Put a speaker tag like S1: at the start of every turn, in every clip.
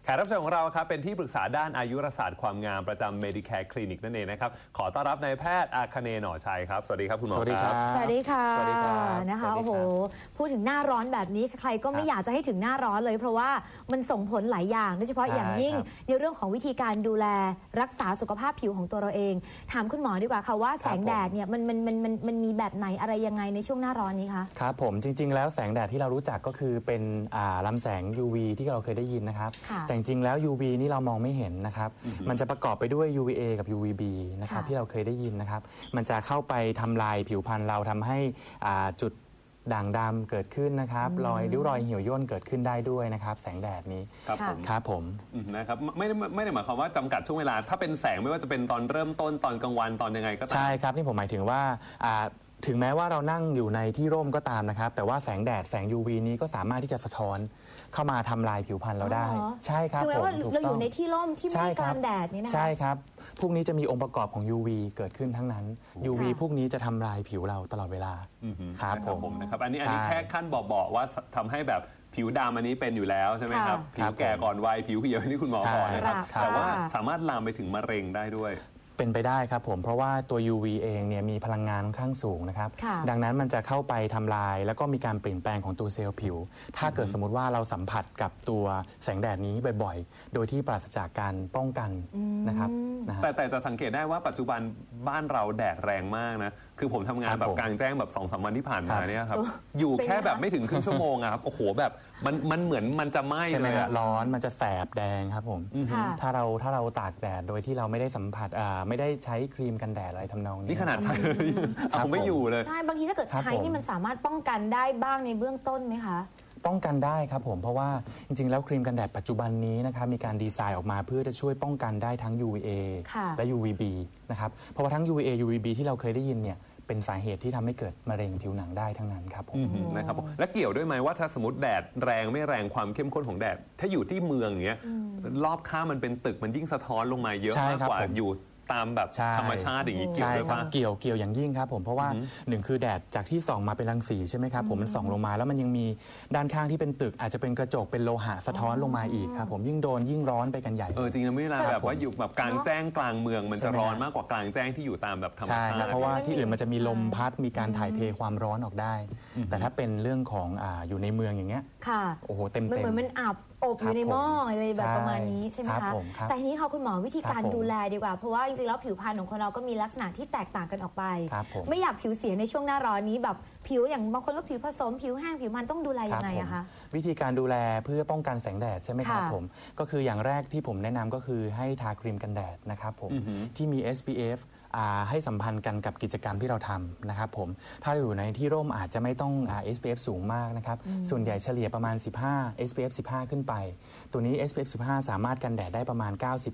S1: ขกรับเชิญของเราครับเป็นที่ปรึกษาด้านอายุรศาสตร์ความงามประจำ Medicare Clinic นั่นเองนะครับขอต้อนรับนายแพทย์อาคเนย์ หน่อชัยครับสวัสดีครับคุณหมอครับ
S2: สวัสดีค่ะ
S1: สวัสดีครับ
S2: นะคะโอ้โหพูดถึงหน้าร้อนแบบนี้ใครก็ไม่อยากจะให้ถึงหน้าร้อนเลยเพราะว่ามันส่งผลหลายอย่างโดยเฉพาะอย่างยิ่งในเรื่องของวิธีการดูแลรักษาสุขภาพผิวของตัวเราเองถามคุณหมอดีกว่าค่ะว่าแสงแดดเนี่ยมันมีแบบไหนอะไรยังไงในช่วงหน้าร้อนนี้คะ
S3: ครับผมจริงๆแล้วแสงแดดที่เรารู้จักก็คือเป็นลำแสง UV ที่เราเคยได้ยินนะครับแต่จริงๆแล้ว UV นี่เรามองไม่เห็นนะครับมันจะประกอบไปด้วย UVA กับ UVB นะครับที่เราเคยได้ยินนะครับมันจะเข้าไปทำลายผิวพรรณเราทำให้จุดด่างดำเกิดขึ้นนะครับรอยริ้วรอยเหี่ยวย่นเกิดขึ้นได้ด้วยนะครับแสงแดดนี้
S1: ครับผมนะครับไม่ได้หมายความว่าจำกัดช่วงเวลาถ้าเป็นแสงไม่ว่าจะเป็นตอนเริ่มต้นตอนกลางวันตอนยังไงก็ตาม
S3: ใช่ครับนี่ผมหมายถึงว่าถึงแม้ว่าเรานั่งอยู่ในที่ร่มก็ตามนะครับแต่ว่าแสงแดดแสง UV นี้ก็สามารถที่จะสะท้อนเข้ามาทำลายผิวพรรณเราได้ใช่ครับ
S2: คือแม้ว่าเราอยู่ในที่ร่มที่ไม่ได้กลางแดดนี่นะ
S3: ใช่ครับพวกนี้จะมีองค์ประกอบของ UV เกิดขึ้นทั้งนั้น UV พวกนี้จะทำลายผิวเราตลอดเวลา
S1: ครับผมนะครับอันนี้แค่ขั้นบอกว่าทำให้แบบผิวดำอันนี้เป็นอยู่แล้วใช่ไหมครับผิวแก่ก่อนวัยผิวเหี่ยวนี่คุณหมอบอกนะครับแต่ว่าสามารถลามไปถึงมะเร็งได้ด้วย
S3: เป็นไปได้ครับผมเพราะว่าตัว UV เองเนี่ยมีพลังงานค่อนข้างสูงนะครับดังนั้นมันจะเข้าไปทำลายแล้วก็มีการเปลี่ยนแปลงของตัวเซลล์ผิวถ้าเกิดสมมติว่าเราสัมผัสกับตัวแสงแดดนี้บ่อยๆโดยที่ปราศจากการป้องกันนะครับ
S1: แต่จะสังเกตได้ว่าปัจจุบันบ้านเราแดดแรงมากนะคือผมทำงานแบบกลางแจ้งแบบ 2-3 วันที่ผ่านมาเนี่ยครับอยู่แค่แบบไม่ถึงครึ่งชั่วโมงครับโอ้โหแบบมันเหมือนมันจะไหม้เลย
S3: ร้อนมันจะแสบแดงครับผมถ้าเราตากแดดโดยที่เราไม่ได้สัมผัสไม่ได้ใช้ครีมกันแดดอะไรทำนองนี้
S1: นี่ขนาดใช้เอาไม่อยู่เลย
S2: ใช่บางทีถ้าเกิดใช้นี่มันสามารถป้องกันได้บ้างในเบื้องต้นไหมคะ
S3: ป้องกันได้ครับผมเพราะว่าจริงๆแล้วครีมกันแดดปัจจุบันนี้นะครับมีการดีไซน์ออกมาเพื่อจะช่วยป้องกันได้ทั้ง UVA และ UVB นะครับเพราะว่าทั้ง UVA UVB ที่เราเคยได้ยินเนี่ยเป็นสาเหตุที่ทำให้เกิดมะเร็งผิวหนังได้ทั้งนั้นครับผม
S1: นะครับและเกี่ยวด้วยไหมว่าถ้าสมมติแดดแรงไม่แรงความเข้มข้นของแดดถ้าอยู่ที่เมืองอย่างเงี้ยรอบข้างมันเป็นตึกมันยิ่งสะท้อนลงมาเยอะมากกว่าอยู่ตามแบบธรรมชาติอย่างนี้เกี่ยวด้วยป่ะ
S3: เกี่ยวอย่างยิ่งครับผมเพราะว่าหนึ่งคือแดดจากที่ส่องมาเป็นรังสีใช่ไหมครับผมมันส่องลงมาแล้วมันยังมีด้านข้างที่เป็นตึกอาจจะเป็นกระจกเป็นโลหะสะท้อนลงมาอีกครับผมยิ่งโดนยิ่งร้อนไปกันใหญ่
S1: จริงๆไม่เวลาแบบว่าอยู่แบบกลางแจ้งกลางเมืองมันจะร้อนมากกว่ากลางแจ้งที่อยู่ตามแบบธรรมชาติ
S3: เพราะว่าที่อื่นมันจะมีลมพัดมีการถ่ายเทความร้อนออกได้แต่ถ้าเป็นเรื่องของอยู่ในเมืองอย่างเงี้ยโอ้โหเต็ม
S2: เหมือนมันอับอบอยู่ในหม้ออะไรแบบประมาณนี้ใช่ไหมคะแต่ทีนี้ค่ะคุณหมอวิธีการดูแลดีกว่าเพราะว่าจริงๆแล้วผิวพรรณของคนเราก็มีลักษณะที่แตกต่างกันออกไปไม่อยากผิวเสียในช่วงหน้าร้อนนี้แบบผิวอย่างบางคนก็ผิวผสมผิวแห้งผิวมันต้องดูแลยังไงอะคะ
S3: วิธีการดูแลเพื่อป้องกันแสงแดดใช่ไหมครับผมก็คืออย่างแรกที่ผมแนะนำก็คือให้ทาครีมกันแดดนะครับผมที่มี SPF ให้สัมพันธ์กันกับกิจกรรมที่เราทำนะครับผมถ้าอยู่ในที่ร่มอาจจะไม่ต้องSPF สูงมากนะครับส่วนใหญ่เฉลี่ยประมาณ15 SPF 15 ขึ้นไปตัวนี้ SPF 15 สามารถกันแดดได้ประมาณ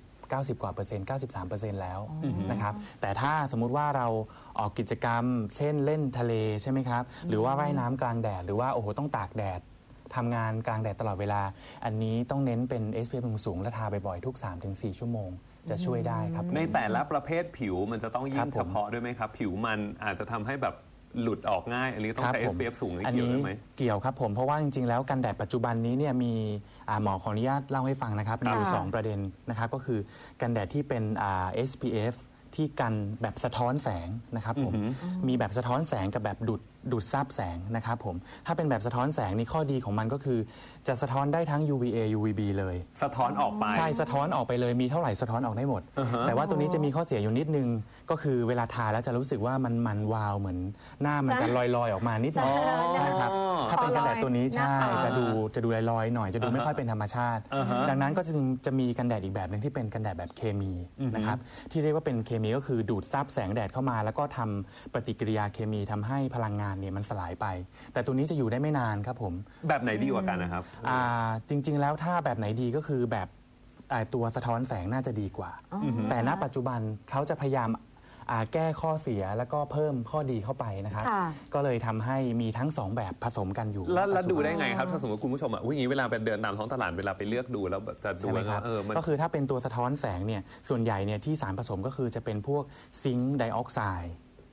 S3: 90 กว่าเปอร์เซ็นต์ 93% แล้วนะครับแต่ถ้าสมมุติว่าเราออกกิจกรรมเช่นเล่นทะเลใช่ไหมครับหรือว่าว่ายน้ำกลางแดดหรือว่าโอ้โหต้องตากแดดทำงานกลางแดดตลอดเวลาอันนี้ต้องเน้นเป็น SPF สูงและทาบ่อยๆทุก 3-4 ชั่วโมงจะช่วยได้ครับ
S1: ในแต่ละประเภทผิวมันจะต้องยิ่งเฉพาะด้วยไหมครับผิวมันอาจจะทำให้แบบหลุดออกง่ายอันนี้ต้องใช้ SPF สูงเกี่ยวด้วยไหม
S3: เกี่ยวครับผมเพราะว่าจริงๆแล้วกันแดดปัจจุบันนี้เนี่ยมีหมอขออนุญาตเล่าให้ฟังนะครับมีอยู่2ประเด็นนะครับก็คือกันแดดที่เป็นSPF ที่กันแบบสะท้อนแสงนะครับผมมีแบบสะท้อนแสงกับแบบดูดซับแสงนะครับผมถ้าเป็นแบบสะท้อนแสงนี่ข้อดีของมันก็คือจะสะท้อนได้ทั้ง UVA UVB เลย
S1: สะท้อนออกไป
S3: ใช่สะท้อนออกไปเลยมีเท่าไหร่สะท้อนออกได้หมดแต่ว่าตัวนี้จะมีข้อเสียอยู่นิดนึงก็คือเวลาทาแล้วจะรู้สึกว่ามันวาวเหมือนหน้ามันจะลอยๆออกมานิดนึงใช่ครับถ้าเป็นกันแดดตัวนี้ใช่จะดูลอยๆหน่อยจะดูไม่ค่อยเป็นธรรมชาติดังนั้นก็จะมีกันแดดอีกแบบนึงที่เป็นกันแดดแบบเคมีนะครับที่เรียกว่าเป็นเคมีก็คือดูดซับแสงแดดเข้ามาแล้วก็ทำปฏิกิริยาเคมีทำให้พลังงานเนี่ยมันสลายไปแต่ตัวนี้จะอยู่ได้ไม่นานครับผม
S1: แบบไหนดีกว่ากันนะครับ
S3: จริงๆแล้วถ้าแบบไหนดีก็คือแบบตัวสะท้อนแสงน่าจะดีกว่าแต่ณปัจจุบันเขาจะพยายามแก้ข้อเสียแล้วก็เพิ่มข้อดีเข้าไปนะครับก็เลยทำให้มีทั้ง2แบบผสมกันอยู่
S1: แล้วดูได้ไงครับถ้าสมมติคุณผู้ชมอย่างนี้เวลาไปเดินตามท้องตลาดเวลาไปเลือกดูแล้วจะดูว่า
S3: ก็คือถ้าเป็นตัวสะท้อนแสงเนี่ยส่วนใหญ่เนี่ยที่สารผสมก็คือจะเป็นพวกซิงค์ไดออกไซด์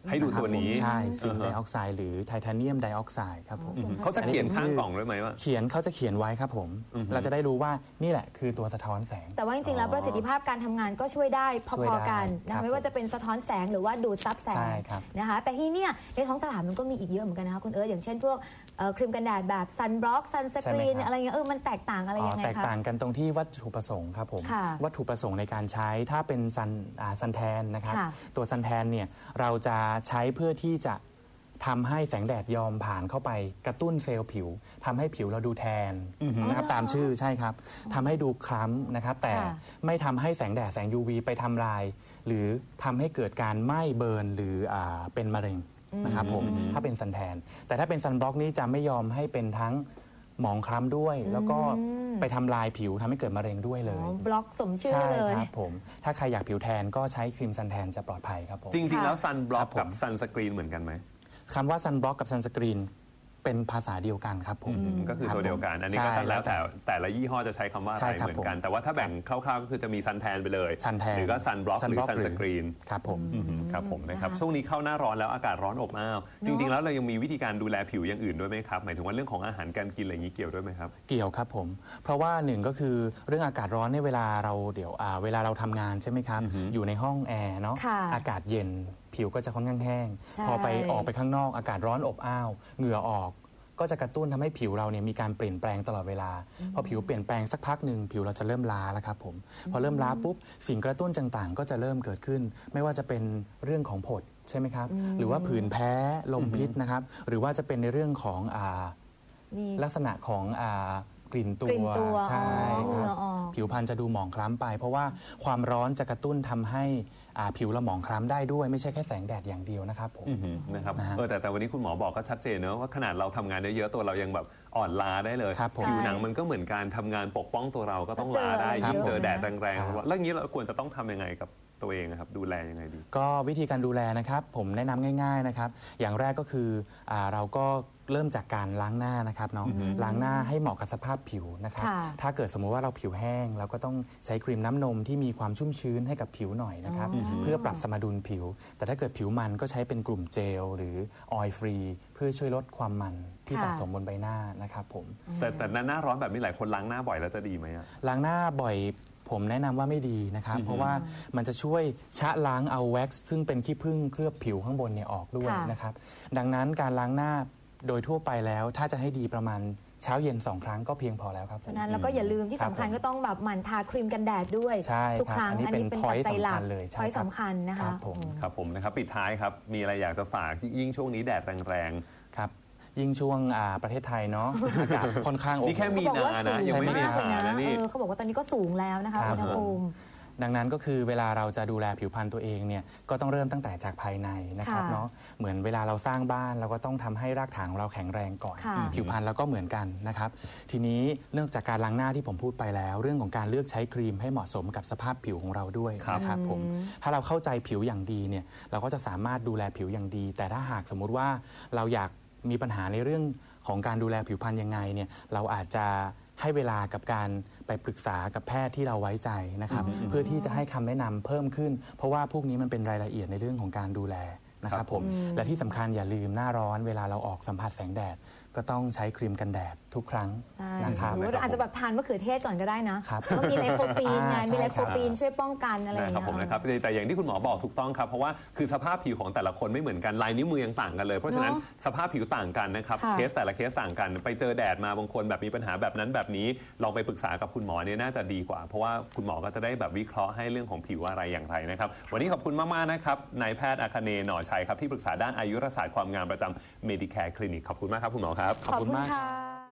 S1: ให้ดูตัวนี้
S3: ใช่ซิงค์ไดออกไซด์หรือไทเทเนียมไดออกไซด์ครับผม
S1: เขาจะเขียนข้างกล่องด้วยไหมว่า
S3: เขาจะเขียนไว้ครับผมเราจะได้รู้ว่านี่แหละคือตัวสะท้อนแสง
S2: แต่ว่าจริงๆแล้วประสิทธิภาพการทำงานก็ช่วยได้พอๆกันนะไม่ว่าจะเป็นสะท้อนแสงหรือว่าดูดซับแสงนะคะแต่ที่นี่ในท้องตลาดมันก็มีอีกเยอะเหมือนกันนะคะคุณเอิร์ธอย่างเช่นพวกครีมกันแดดแบบซันบล็อกซันสกรีนอะไรเงี้ยมันแตกต่างอะไรยังไงคะ
S3: แตกต่างกันตรงที่วัตถุประสงค์ครับผมวัตถุประสงค์ในการใช้ถ้าเป็นซันแทนนะครับตัวซันแทนเนี่ยเราจะใช้เพื่อที่จะทำให้แสงแดดยอมผ่านเข้าไปกระตุ้นเซลล์ผิวทำให้ผิวเราดูแทนนะครับตามชื่อใช่ครับทำให้ดูคล้ำนะครับแต่ไม่ทำให้แสงแดดแสง UV ไปทำลายหรือทำให้เกิดการไหม้เบิร์นหรือเป็นมะเร็งนะครับผมถ้าเป็นซันแทนแต่ถ้าเป็นซันบล็อกนี้จะไม่ยอมให้เป็นทั้งหมองคล้ำด้วยแล้วก็ไปทำลายผิวทำให้เกิดมะเร็งด้วยเลย
S2: บล็อกสมชื่อเลย
S3: ใช่ครับผมถ้าใครอยากผิวแทนก็ใช้ครีมซันแทนจะปลอดภัยครับผม
S1: จริงๆแล้วซันบล็อกกับซันสกรีนเหมือนกันไหม
S3: คำว่าซันบล็อกกับซันสกรีนเป็นภาษาเดียวกันครับผม
S1: ก็คือตัวเดียวกันอันนี้ก็แล้วแต่ละยี่ห้อจะใช้คำว่าอะไรเหมือนกันแต่ว่าถ้าแบ่งคร่าวๆก็คือจะมีซันแทนไปเลยหรือก็ซันบล็อกหรือซันสกรีน
S3: ครับผม
S1: ครับผมนะครับช่วงนี้เข้าหน้าร้อนแล้วอากาศร้อนอบอ้าวจริงๆแล้วเรายังมีวิธีการดูแลผิวอย่างอื่นด้วยไหมครับหมายถึงว่าเรื่องของอาหารการกินอะไรอย่างนี้เกี่ยวด้วยไหมครับ
S3: เกี่ยวครับผมเพราะว่าหนึ่งก็คือเรื่องอากาศร้อนในเวลาเราเวลาเราทำงานใช่ไหมครับอยู่ในห้องแอร์เนาะอากาศเย็นผิวก็จะค่อนข้างแห้งพอออกไปข้างนอกอากาศร้อนอบอ้าวเหงื่อออกก็จะกระตุ้นทำให้ผิวเราเนี่ยมีการเปลี่ยนแปลงตลอดเวลาพอผิวเปลี่ยนแปลงสักพักหนึ่งผิวเราจะเริ่มล้าแล้วครับผมพอเริ่มล้าปุ๊บสิ่งกระตุ้นต่างๆก็จะเริ่มเกิดขึ้นไม่ว่าจะเป็นเรื่องของผดใช่ไหมครับหรือว่าผื่นแพ้ลมพิษนะครับหรือว่าจะเป็นในเรื่องของลักษณะของกลิ่นตัวใช่ครับผิวพรรณจะดูหมองคล้ำไปเพราะว่าความร้อนจะกระตุ้นทำให้ผิวเราหมองคล้ำได้ด้วยไม่ใช่แค่แสงแดดอย่างเดียวนะครับผม
S1: นะครับแต่วันนี้คุณหมอบอกก็ชัดเจนนะว่าขนาดเราทำงานเยอะๆตัวเรายังแบบอ่อนล้าได้เลยผิวหนังมันก็เหมือนการทำงานปกป้องตัวเราก็ต้องล้าได้ยิ่งเจอแดดแรงๆแล้วอย่างนี้เราควรจะต้องทำยังไงกับตัวเองนะครับดูแลยังไงดี
S3: ก็วิธีการดูแลนะครับผมแนะนำง่ายๆนะครับอย่างแรกก็คือเราก็เริ่มจากการล้างหน้านะครับเนาะล้างหน้าให้เหมาะกับสภาพผิวนะครับถ้าเกิดสมมุติว่าเราผิวแห้งเราก็ต้องใช้ครีมน้ำนมที่มีความชุ่มชื้นให้กับผิวหน่อยนะครับเพื่อปรับสมดุลผิวแต่ถ้าเกิดผิวมันก็ใช้เป็นกลุ่มเจลหรือออยล์ฟรีเพื่อช่วยลดความมันที่สะสมบนใบหน้านะครับผม
S1: แต่หน้าร้อนแบบนี้หลายคนล้างหน้าบ่อยแล้วจะดีไหม
S3: ล้างหน้าบ่อยผมแนะนำว่าไม่ดีนะครับเพราะว่ามันจะช่วยชะล้างเอาแว็กซ์ซึ่งเป็นขี้ผึ้งเคลือบผิวข้างบนเนี่ยออกด้วยนะครับดังนั้นการล้างหน้าโดยทั่วไปแล้วถ้าจะให้ดีประมาณเช้าเย็น2 ครั้งก็เพียงพอแล้วครับ
S2: เพราะนั้นแล้วก็อย่าลืมที่สำคัญก็ต้องแบบหมั่นทาครีมกันแดดด้วยทุกครั้งอันนี้เป็นปัจจัยหลักพอยต์สำคัญนะคะ
S1: ครับผมนะครับปิดท้ายครับมีอะไรอยากจะฝากยิ่งช่วงนี้แดดแรง
S3: ๆครับยิ่งช่วงประเทศไทยเนาะอากาศค่อนข้าง
S1: นี่แค่มีนานะยังไม่ได้
S2: สูงนะเขาบอกว่าตอนนี้ก็สูงแล้วนะคะอุณหภูมิ
S3: ดังนั้นก็คือเวลาเราจะดูแลผิวพรรณตัวเองเนี่ยก็ต้องเริ่มตั้งแต่จากภายในนะครับเนาะเหมือนเวลาเราสร้างบ้านเราก็ต้องทำให้รากฐานของเราแข็งแรงก่อนผิวพรรณเราก็เหมือนกันนะครับทีนี้เรื่องจากการล้างหน้าที่ผมพูดไปแล้วเรื่องของการเลือกใช้ครีมให้เหมาะสมกับสภาพผิวของเราด้วยนะครับผมถ้าเราเข้าใจผิวอย่างดีเนี่ยเราก็จะสามารถดูแลผิวอย่างดีแต่ถ้าหากสมมุติว่าเราอยากมีปัญหาในเรื่องของการดูแลผิวพรรณยังไงเนี่ยเราอาจจะให้เวลากับการไปปรึกษากับแพทย์ที่เราไว้ใจนะครับเพื่อที่จะให้คำแนะนำเพิ่มขึ้นเพราะว่าพวกนี้มันเป็นรายละเอียดในเรื่องของการดูแลนะครับผมและที่สำคัญอย่าลืมหน้าร้อนเวลาเราออกสัมผัสแสงแดดก็ต้องใช้ครีมกันแดดทุกครั้งนะครับ
S2: หรืออาจจะแบบทานมะเขือเทศก่อนก็ได้นะก็มีไลโคปีนไงมีไลโคปีนช่วยป้องกันอะไรอย่างเงี้ย
S1: ผมนะครับแต่อย่างที่คุณหมอบอกถูกต้องครับเพราะว่าคือสภาพผิวของแต่ละคนไม่เหมือนกันลายนิ้วมือยังต่างกันเลยเพราะฉะนั้นสภาพผิวต่างกันนะครับเคสแต่ละเคสต่างกันไปเจอแดดมาบางคนแบบมีปัญหาแบบนั้นแบบนี้ลองไปปรึกษากับคุณหมอเนี่ยน่าจะดีกว่าเพราะว่าคุณหมอก็จะได้แบบวิเคราะห์ให้เรื่องของผิวอะไรอย่างไรนะครับวันนี้ขอบคุณมากๆนะครับนายแพทย์อาคเนย์หน่อชัยครับที่ปรึกษาด้านอายุรศาสตร์ความงามประจำ Medicare Clinic ขอบคุณมากครับคุณหมอครับ
S2: ขอบคุณมาก